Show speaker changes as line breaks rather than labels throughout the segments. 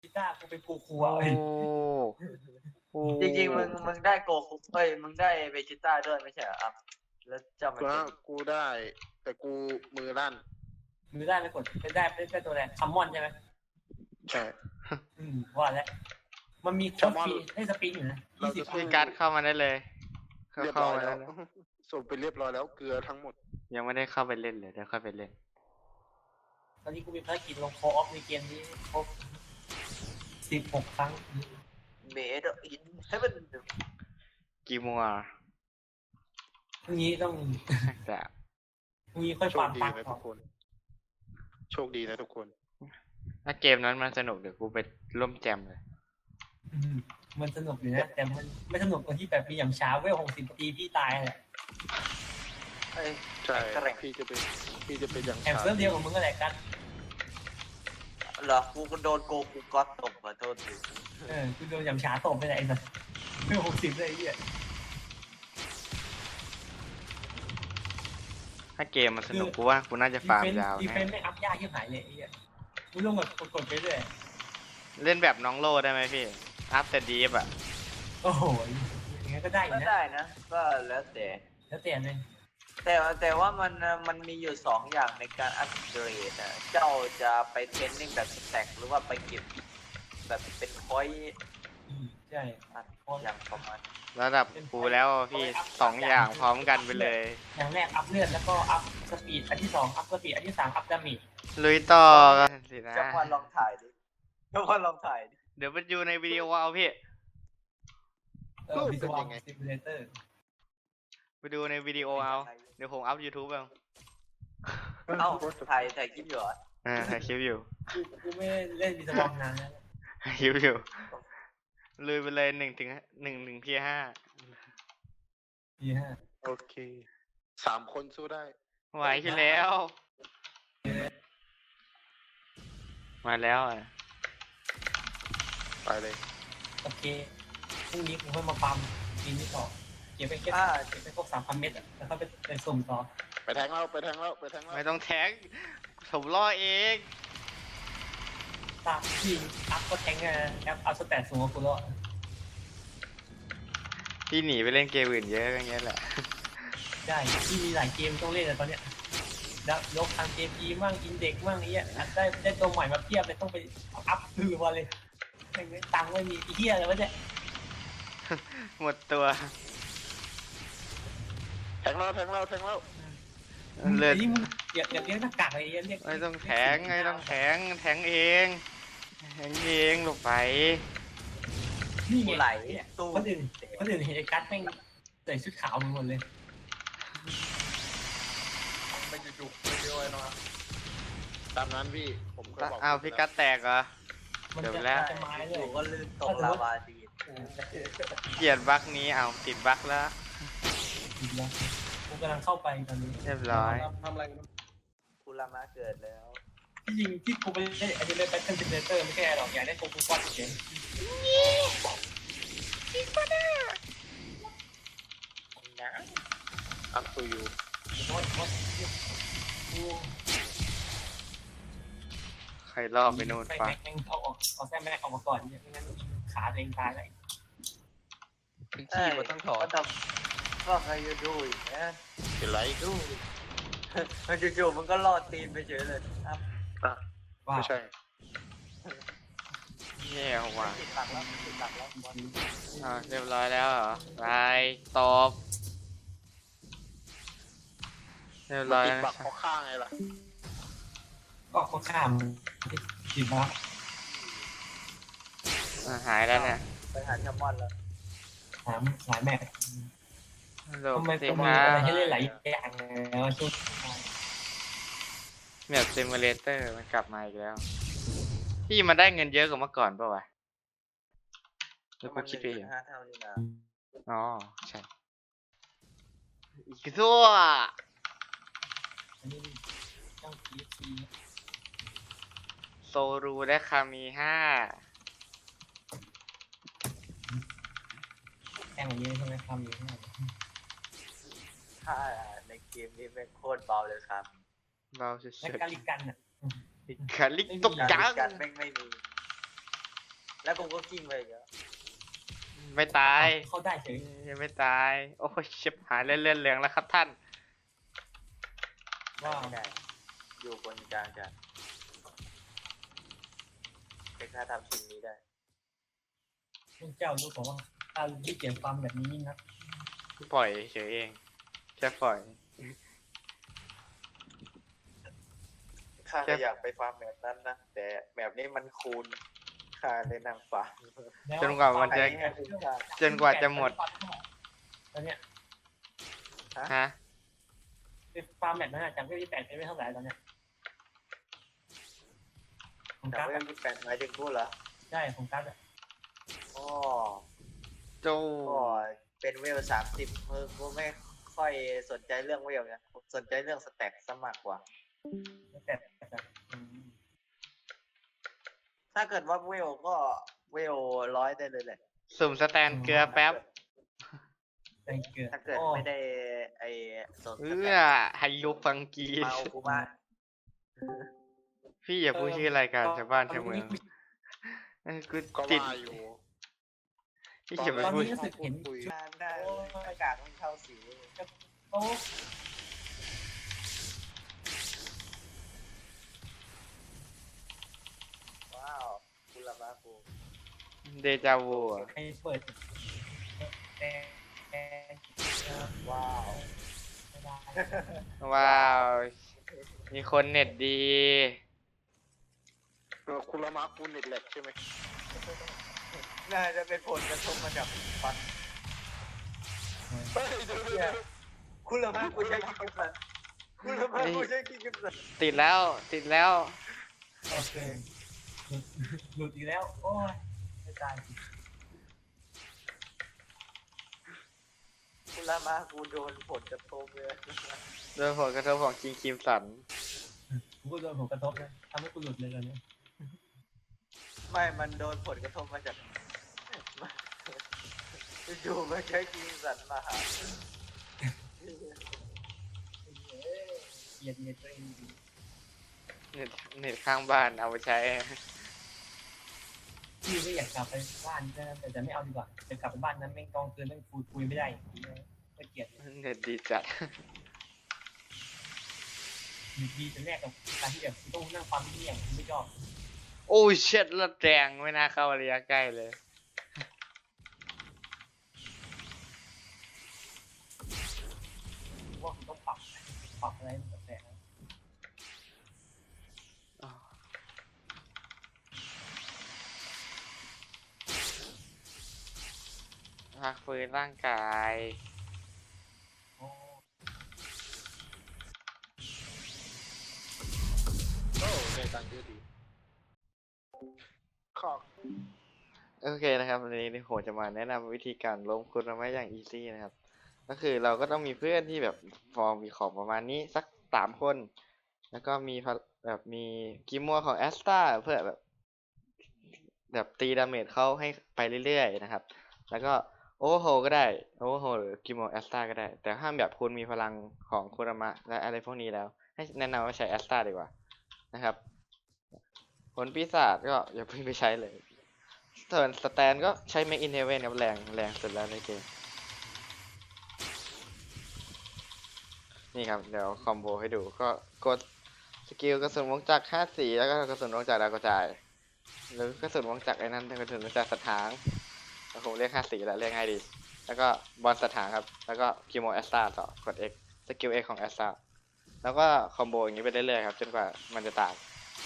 กีตาร์กูเป็นกูครัว
โอ้
เอ้ย
โอ้
จริงๆมึงได้โกคุมึงได้เวจิต้าด้วยไม่ใช่เหรอครับแล้วจำมันเป็น
กูได้ แต่กูมือลั่น
มือได้ไม่กดได้ตัวแรกคัมมอนใช่ไหม
ใช่
ว่าแล้วมันมีโค้ดฟรีให้สปินอยู่นะ
เราจะ
พี่การ์ดเข้ามาได้เลยเข้า
เรียบ
เข้า
ร้อย
มา
แล้
แล้ว ว
ส่งไปเรียบร้อยแล้วเกลือทั้งหมด
ยังไม่ได้เข้าไปเล่นเลยเดี๋ยวค่อยไปเล่น
ตอนนี้กูมีภารกิจลงโคออฟในเกมนี้ครบ16 ครั้ง
เมดอินให้มัน
กี่โมงอ่ะ
พรุ่งนี้ต้อง
แต่
พรุ่งนี้ค่อย
โช
ฟา
ค
ร์ม
ดี
ตังค์
นะ
ก่
ทุ
อน
กคน โชคดีนะทุกคน
ถ้าเกมนั้นมันสนุกเดี๋ยวกูไปร่วมแจมเลย
มันสนุกอยู่นะแต่มันไม่สนุกตรงที่แบบมีอย่างช้าเวล60 ปีพี่ตายแหละ
เอ้ย
ใช่
แข่ง
พี่จะเป็นอย่าง
แข่งเซิร์ฟเดียวกับมึงก็แหละกัน
เหรอกูก็โดนโกกูก๊อตตบขอโทษดิ
กูโดนอย่างช้าตบไปไหนไอ้สัสเวล60เลยไอ้เหี้ย
ถ้าเกมมันสนุกกูว่ากูน่าจะฟาร์มยาว
ดีเฟ
แน่
นไม่อัพยากที่หายเลยไอ้เหี้ยกูลงแบบกดไปเรื่อย
เล่นแบบน้องโลได้ไหมพี่อัพแต่ดีฟอ่ะ
โอ้โหอย่างงี้ก็ได้อ
ก็
ยู่นะ
ได้นะก็แล้วแต่
แล้วแต่เลย
แต่ว่ามันมีอยู่สองอย่างในการอัปเกรดนะเจ้าจะไปเทรนนิ่งแบบสแต็กหรือว่าไปเก็บแบบเป็นคอย
ใช่
อย่างประมาณ
ระดับกูแล้วพี่2 อย่างพร้อมกันไปเลย
อย่างแรกอัพเลือดแล้วก็อัพสปีดอันที่2อัพสปีดอันที่3อัพดาเมจ
ลุยต่อกันสินะ
เจ้าวันลองถ่ายดิเจ้าวันลองถ่ายดิ
เดี๋ยวไปดูในวิดีโอเอาพี่
วิศวกรซิมูเลเตอร์
ไปดูในวิดีโอเอาเดี๋ยวผมอัพ YouTube เอา
เอ้าถ่ายคลิปอยู่เหรอ
ถ่ายคลิปอยู่
กูไม่เล่นวิศวกรนานแล้ว
คลิปอยู่ลุยไปเลย1 ที 5
ปีห้า
โอเค 3 คนสู้ได้
ไหวที่แล้ว มาแล้วอ่ะ
ไปเลย
โอเคพรุ่งนี้กูค่อยมาปั๊มปีนี้ต่อเก็บไปเก็บไปพวก3,000 เม็ดแล้วก็ไปสุ่มต่อ
ไปแทงแล้ว
ไม่ต้องแท็กผมล่อเอง
ตามที่อัพก็แทงแอปอัพสแตทสูงกว่ากูแล้ว
พี่หนีไปเล่นเกมอื่นเยอะอย่างเงี้ยแหละ
ใช่ที่มีหลายเกมต้องเล่นแต่ตอนเนี้ยยกทางเกมดีมั่งอินเด็กมั่งนี้ได้ตัวใหม่มาเพียบเลยต้องไปอัพคือมาเลยตังค์ไม่มีเหี้ยเลยวะเนี่ย
หมดตัว
แทงแล้ว
เลือด
นี่มึงอย่าเรียกหน้ากากอะไรเรียก
ไม่ต้องแทงแทงเองหลบไป
นี่
กู
ไง
ไหลตู้
คนอื่นเห็นไอ้กัสแม่งใส่ชุดขาวหมดเลย
ไม่จุกไม่เยอะเนาะตามนั้นพี่ ผมเคยบอก
อ้าวพี่กัดแตกเหรอ
มัน
เดี๋ยว
จะ
แล้ว
จะไม้เล
อย ยู่ก็ลื่นตกลาวาดี
เกลียดบั๊กนี้เอาติดบั๊กแล้ว
ผิดแล้วกูกำลังเข้าไปตอนนี้
เรียบร้อย
ทำอะไรกัน
คุรามาเกิดแล้ว
ที่จริงที่กูไปเล่นไอ้เล่นแบทเทิลซิมูเลเตอร์ไม่ใช่หรอกอยากได้โกกูควอดเฉย
อัพตูยู
ใครล่อไปนู่น
ไป
ปะ
แม่งเอาแซ่แม่ออกมาก่อนเนี่ยไม่งั้นขาตัวเองตายเลย
ขี้มันต้องถอด
ก็ใครจะดูอีกนะ
เป็นไร
ดูมันจู่ๆมันก็รอดตีนไปเฉยเลยครับ
อ่ะ
ว่า
ไม่ใช่
แย่ว่ะ
ติดหลักแล้วติดหลักแล้วบอล
เรียบร้อยแล้วเหรอไปตบเรียบร้อย
ติด
แล้ว
บักเขาข้างไงล่ะ
ก็ข้ามผิดแล้ว
หายแล้วเนี่ย
ไปหาแคมมอนแล้ว
สายแม่
หลบ
ทำไม
สิ
ต้อง
ค
มี
รั
อะไร
บ
ให้เล่นหลายอย่างแล้วช่วง
แบบซิมูเลเตอร์มันกลับมาอีกแล้วพี่มันได้เงินเยอะกว่าเมื่อก่อนป่าวะแล้วกูคิดไปเอง
5 เท่านี่นะ
อ๋อใช่อีกตัว
อันนี้เจ้า PFC
โซรูได้คามี5
แข่งอย่างนี้ใช่ไหมทำอยู่ข้างใน
ถ้าในเกมนี้เป็นโคตรเบาเลยครับ
เราจะ
และ
เฉย
การิกันอ่ะ
คาลิกตกจัง
การแม่งไม่มีแล้วกูก็กิ้งไปอีกแล้ว
ไม่ตาย
เข้าได้เฉย
ยังไม่ตาย โอ้ยชิบหายเลื่อนเหลืองแล้วครับท่าน
ว่า
ไม่ได้ อยู่บนกลางกันเป็นค่าทำชิ้นนี้ได้
พวกเจ้ารู้ผมว่าการที่เก็บความแบบนี้นะ
ปล่อยเฉยเอง แค่ปล่อย
ข้าก็อยากไปฟาร์มแบบนั้นนะ แต่แบบนี้มันคูณข้าเลยนั่งฟาร์ม
จนกว่ามันจะ
ให้คุ้มค่า
จนกว่าจะหมด
ตอนเนี้ย
ฮะ
ฟาร์มแบบนั้นจากที่8เป็นไม่เท่าไหร่ตอนเนี้ยของ
แต่
การ์ด
ไม่ได้แปลหมายถึงกูเหรอ
ใช่ของการ์ด
อ๋อ
โจ
ก็เป็นเวล30กูไม่ค่อยสนใจเรื่องเวลนะผมสนใจเรื่องสแต็กซะมากกว่า
แต่
ถ้าเกิดว่าเวลก็เวล100ได้เลยแหละ
สุ่มสแตนเกลือแป๊บ
แต่เกิด
ถ้าเกิดไม่ได้ไอ้สนส
เอื้
แต็
อก ไฮยุฟังกี
มาเอากูมา
พี่อย่าพูดชื่อรายการชาวบ้านชาวเมืองกู
ก็
ติด
ว่าอยู่
พี่อย่าไป
ตอน
พูด
นี้รู้สึกเห็น
คุย
หน้ากากมันเข้าสี
โอ้
ว้าวคุณละมากู
เดจาวูอะ
ใครเปิดแต่
ว้าว
ไม่ได้
ว้าว มีคนเน็ตดี
คุณละมาคุณเน็ตแหลกใช่ไหม
น่าจะเป็นผลกระทบมาจากฟัน
เฮ้ยเดี๋ยว
คุณละมากูใช้กินกันสันคุณละมากูใช้กินกันสัน
ติดแล้ว ติดแล้ว
โอเคหลุดอีกแล้ว โอ้ยไม่ตาย
คุณละมากูโดนผลกระทบเลย
โดยผลกระทบของคิงคิมสัน
กูก็โดนผลกระทบนะทำให้กูหลุดเลยตอนนี้
ไม่มันโดนผลกระทบมาจากอยู่ๆมาใช้กินสันมาหา
เกลียดตัวเองดี
เน็ตเน็ตข้างบ้านเอาไปใช้
พี่ก็อยากกลับไปบ้านแต่ไม่เอาดีกว่าจะกลับไปบ้านนั้นแม่งกองคืนแม่งคุยไม่ได้ก็เกลียด
เน็ตดีจัด
อยู่ดีจะแลกกับการที่แบบต้องนั่งฟังที่อย่างไม่ชอบ
โอ้ยเช็ดละแรงไม่น่าเข้าระยะใกล้เลย
ว่าผมต้องปรับอะไรแบบแต่
พักฟื้นร่างกาย
โอ้
โอ้ในตังค์เยอะดีขอบ
โอเคนะครับวันนี้ผมจะมาแนะนำวิธีการล้มคุณมาอย่างอีซี่นะครับ ก็คือเราก็ต้องมีเพื่อนที่แบบฟอร์มมีของประมาณนี้สัก3 คน แล้วก็มีแบบมีกิมมัวของแอสตาเพื่อแบบตีดาเมจเขาให้ไปเรื่อยๆนะครับ แล้วก็โอเวอร์โฮก็ได้โอเวอร์โฮหรือกิมมัวแอสตาก็ได้ แต่ห้ามแบบคุณมีพลังของคุรามะและอะไรพวกนี้แล้ว ให้แนะนำว่าใช้แอสตาดีกว่านะครับ ผลปีศาจก็อย่าเพิ่งไปใช้เลยส่วนสแตนก็ใช้ Make in Heaven ครับแรงสุดแล้วในเกม นี่ครับ เดี๋ยวคอมโบให้ดูก็กดสกิลกระสุนวงจักร5 สีแล้วก็กระสุนวงจักรดาวกระจาย หรือกระสุนวงจักรไอ้นั่นกระสุนวงจักรสถางแล้วผมเรียก5 สีแหละเรียกง่ายดี แล้วก็บอลสถานครับ แล้วก็กิโมแอสตาต่อกด X สกิล X ของแอสตาแล้วก็คอมโบอย่างนี้ไปเรื่อยๆครับจนกว่ามันจะตาย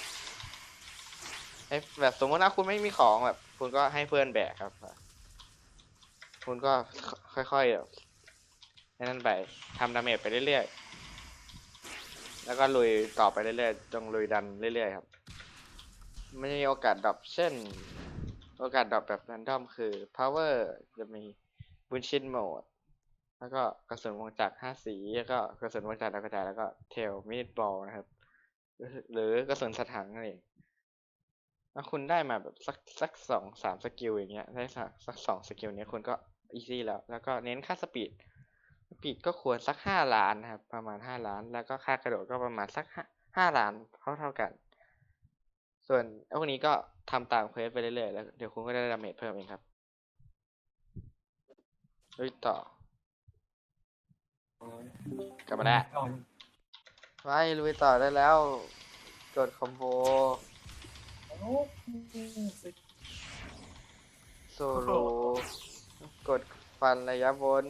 แบบสมมติว่าคุณไม่มีของแบบ คุณก็ให้เพื่อนแบกครับ คุณก็ค่อยๆแบบนั่นไปทำดาเมจไปเรื่อยๆแล้วก็ลุยต่อไปเรื่อยๆจงลุยดันเรื่อยๆครับไม่มีโอกาสดรอปเช่น โอกาสดรอปแบบแรนดอมคือ power จะมีบุนชินโหมดแล้วก็กระสุนวงจักร5 สีแล้วก็กระสุนวงจักรดาวกระจายแล้วก็เทลมินิบอลนะครับหรือกระสุนสถานนั่นเองถ้าคุณได้มาแบบสัก2-3 สกิลอย่างเงี้ยได้สัก2 สกิลเนี้ยคุณก็อีซี่แล้วก็เน้นค่าสปีดก็ควรสัก5 ล้านนะครับประมาณ5 ล้านแล้วก็ค่ากระโดดก็ประมาณสัก5 ล้านเท่ากันส่วนพวกนี้ก็ทำตามเควสไปเรื่อยๆแล้วเดี๋ยวคุณก็ได้ดาเมจเพิ่มเองครับลุยต่อ กลับมาแล้ว
ก่อน
ไปลุยต่อได้แล้วกดคอมโบ
โอ้สึก
โซโลกดฟันระยะบน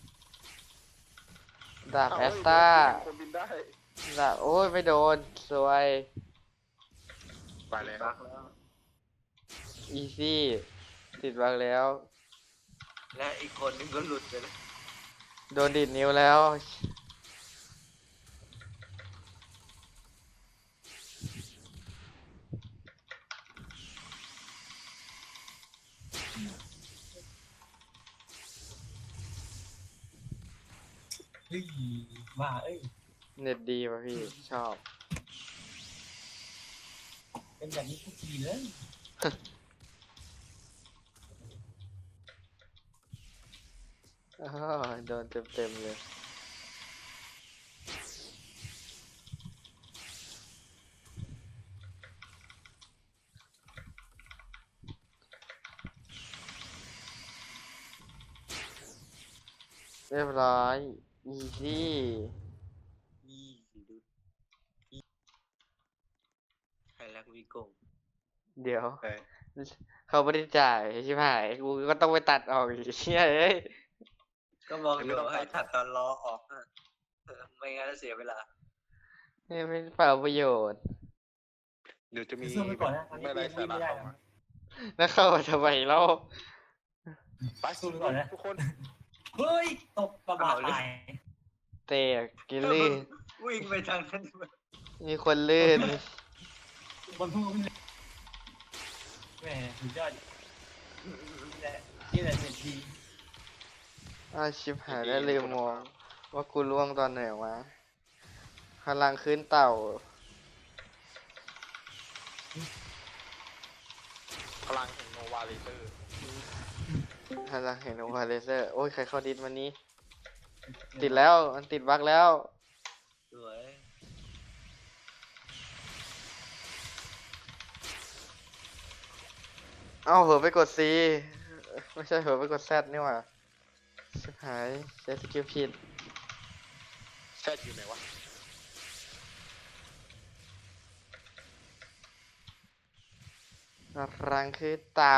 ดาบแอสตา
คนบินได้
ดาบโอ้ยไม่โดนสวย
ไปเลย
บักแล้ว
อีซี่ติดบังแล้ว
และอีกคนนึงก็หลุดไปแล้ว
โดนดีดนิ้วแล้ว
เฮ้ยบ้าเอ้ย
เน็ตดีป่ะพี่ ชอบ
เป็นแบบนี้ทุกทีเลย
อ้าวโดนเต็มเลย เรียบร้อย อีซี่
นี่ดูใครรักวิโกง
เดี๋ยว
ไป
เขาไม่ได้จ่ายใช่ไหมกูก็ต้องไปตัดออกอีกเชี่ยเอ้ย
ก็บอกอยู่ให้ถัดตอนล้อออกอะไม่งั้นเสียเวลา
ไม่เปล่าประโยชน์
เดี๋ยวจะมี
สู้ไปก่อนนะตอนนี้
ไม่ไร
ยัง
สา
วิ่ง
ระ
ไม่ได้
เข้า
นะ
มา
แล้วเข้ามาทำไมเล่า
ไป
สู้ไปก่อนนะ
ทุกคน
เฮ้ยตกกระบะตาย
เตะกินลื่น
วิ่งไปทางนั้น
มีคนลื่น
บนทุ่งเลยแหมสุดยอดนี่แหละนี่แหละเน็ตดี
อ้าวชิบหายแล้วลืมมองว่ากูล่วงตอนไหนวะพลังขึ้นเต่า
พลังแห่งโนวาเลเตอร์
พลังเห็นโอวาเลเซอร์ โอ้ย ใครเข้าดิสวันนี้ ติดแล้ว มันติดบั๊กแล้ว
สวย
เอ้าเผลอไปกด C ไม่ใช่เผลอไปกด Z นี่หว่าชิบหายใช้สกิลผิด
แซดอยู่ไหนวะ
พลังคือเต่า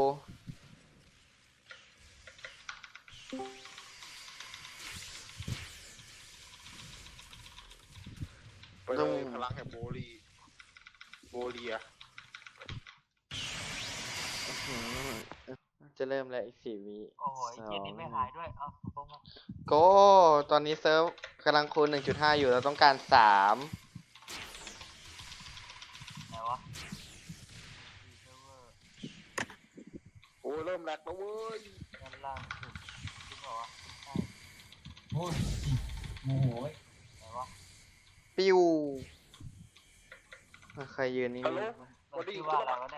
ไปเลยพลังแห่งโบเลีย
อื้อหือจะเริ่มแล้วอีก4 วิ
โอ้ยเย็นนี้ไม่หายด้วย เอ้าโป้ง
โก้ตอนนี้เซิร์ฟกำลังคูณ 1.5 อยู่เราต้องการ 3
ไหนวะ
โอ้ยเริ่มแหลกแล้วเว้ย
ด้านล่างสุดจริงเหรอวะใช่
โอ้ยโมโหเว้ย
ไหนวะ
ปิ้วใครยืนนี่
ฮัลโหล
มันชื่อว่าอะไรวะเนี่ย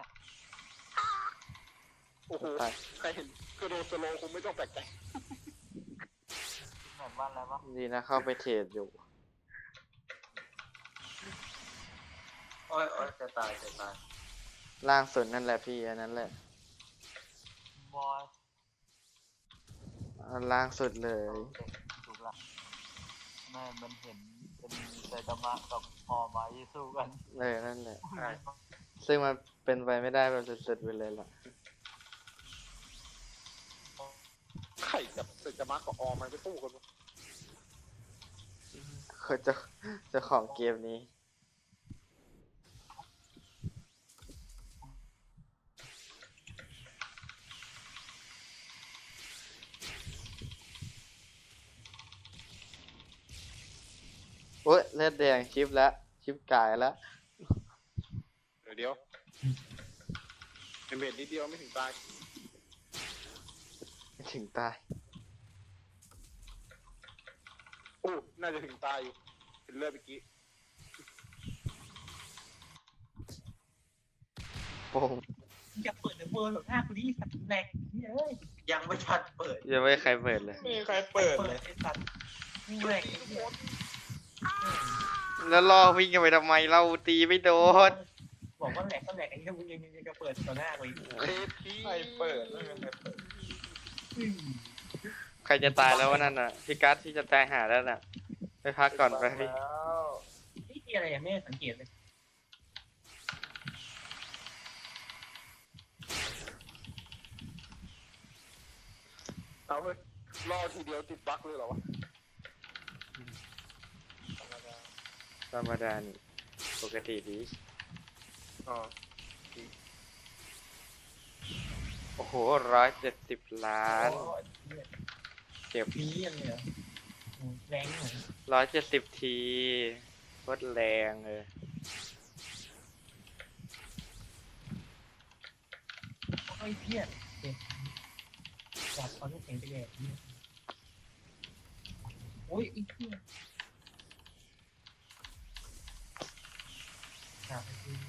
โอ้โห
ตาย
ใครเห็นกระโดดสโลว์คงไม่ต้องแปลกใจ
เหมือนว่าอะไรวะ
ดีนะเข้าไปเทรดอยู่
โอ้ยโอ้ยจะตายจะตาย
ล่างสุดนั่นแหละพี่อันนั้นแหละ
บอย
อันล่างสุดเลย
ถูกละแม่มันเห็นเป็นไซตามะกับพอมายิสู้กัน
นั่นแหละ ซึ่งมันเป็นไปไม่ได้แบบสุดๆไปเลยล่ะ
ไข่กับเซจามากับออมมันไปสู้กันวะ
เขาจะของเกมนี้ โอ้ยเลือดแดงชิปแล้ว ชิปกายแล้ว
เดี๋ยวเป็นเบ็ดนิดเดียวไม่ถึงตาย
ไม่ถึงตาย
โอ้น่าจะถึงตายอยู่เห็นเลือดเมื่อกี้
โป่ง
อย่าเปิดเดอะเวิร์หรอกหน้ากูดิสัตว์แหลกเฮ้ย
ยังไม่ทันเปิด
ยังไม่ให้ใครเปิดเลย
ไม่มีใครเปิด
เปิ
เล
ด
ย
ไอ้สัตว์แหลก
ทุกคน
แล้วล่อวิ่งกันไปทำไมเราตีไม่โดน
บอกว่าแหลกก็แหลกไอ้เหี้ยมึงยังจะเปิดต่อหน้ากูอีก
เฮ้ยพี่ใครเปิดไม่มีใครเปิด
ใครจะตายแล้ววะนั่นน่ะพี่กัสที่จะตายหาแล้วน่ะไปพักก่อนไปพี่
แล้ว
นี่ที่อะไรยังไม่ได้สังเกตเลย
เอาเว้ยรอทีเดียวติดบั๊กเลยเหรอวะ
ธรรมดานี่ปกติดี
อ๋อ
โอ้โห170 ล้าน เก็บ
มีอะไรเหรอแรงเหรอ
170 ทีโคตรแรงเลย
ไอ้เพี้ยเด็กจับเอาลูกแข็งไปแหลกเนี่ยโอ้ยไอ้เพี้ยจับไปที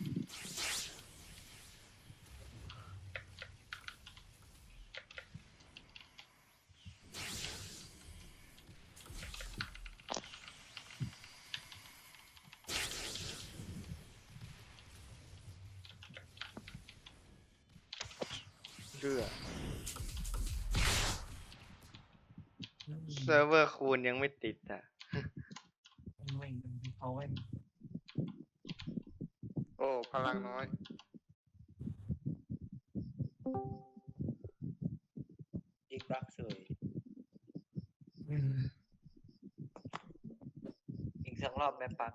เชื่อเซิร์ฟเวอร์คูณยังไม่ติดอ่ะ
ไม่เขาไม่
โอ้พลังน้อย
อีกบักสวยอีกสักรอบแม่ปัก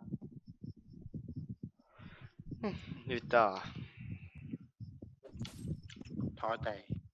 อยู่ต่อ
ท้อใจ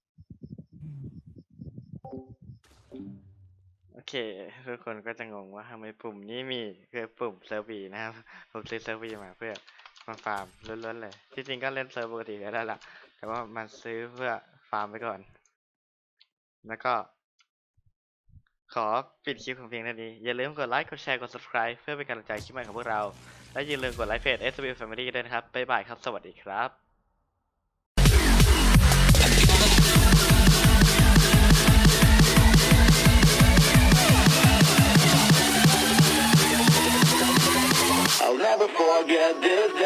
โอเค ทุกคนก็จะงงว่าทำไมปุ่มนี้มีคือปุ่มเซิร์ฟวีนะครับ ผมซื้อเซิร์ฟวีมาเพื่อมาฟาร์มล้วนๆเลย ที่จริงก็เล่นเซิร์ฟปกติได้แล้วล่ะ แต่ว่ามันซื้อเพื่อฟาร์มไปก่อน แล้วก็ ขอปิดคลิปของเพียงเท่านี้ อย่าลืมกดไลค์ กดแชร์ กด subscribe เพื่อเป็นกำลังใจคลิปใหม่ของพวกเรา และอย่าลืมกดไลค์เพจ SW Family ด้วยนะครับ บ๊ายบายครับ สวัสดีครับ
I'll never forget this day.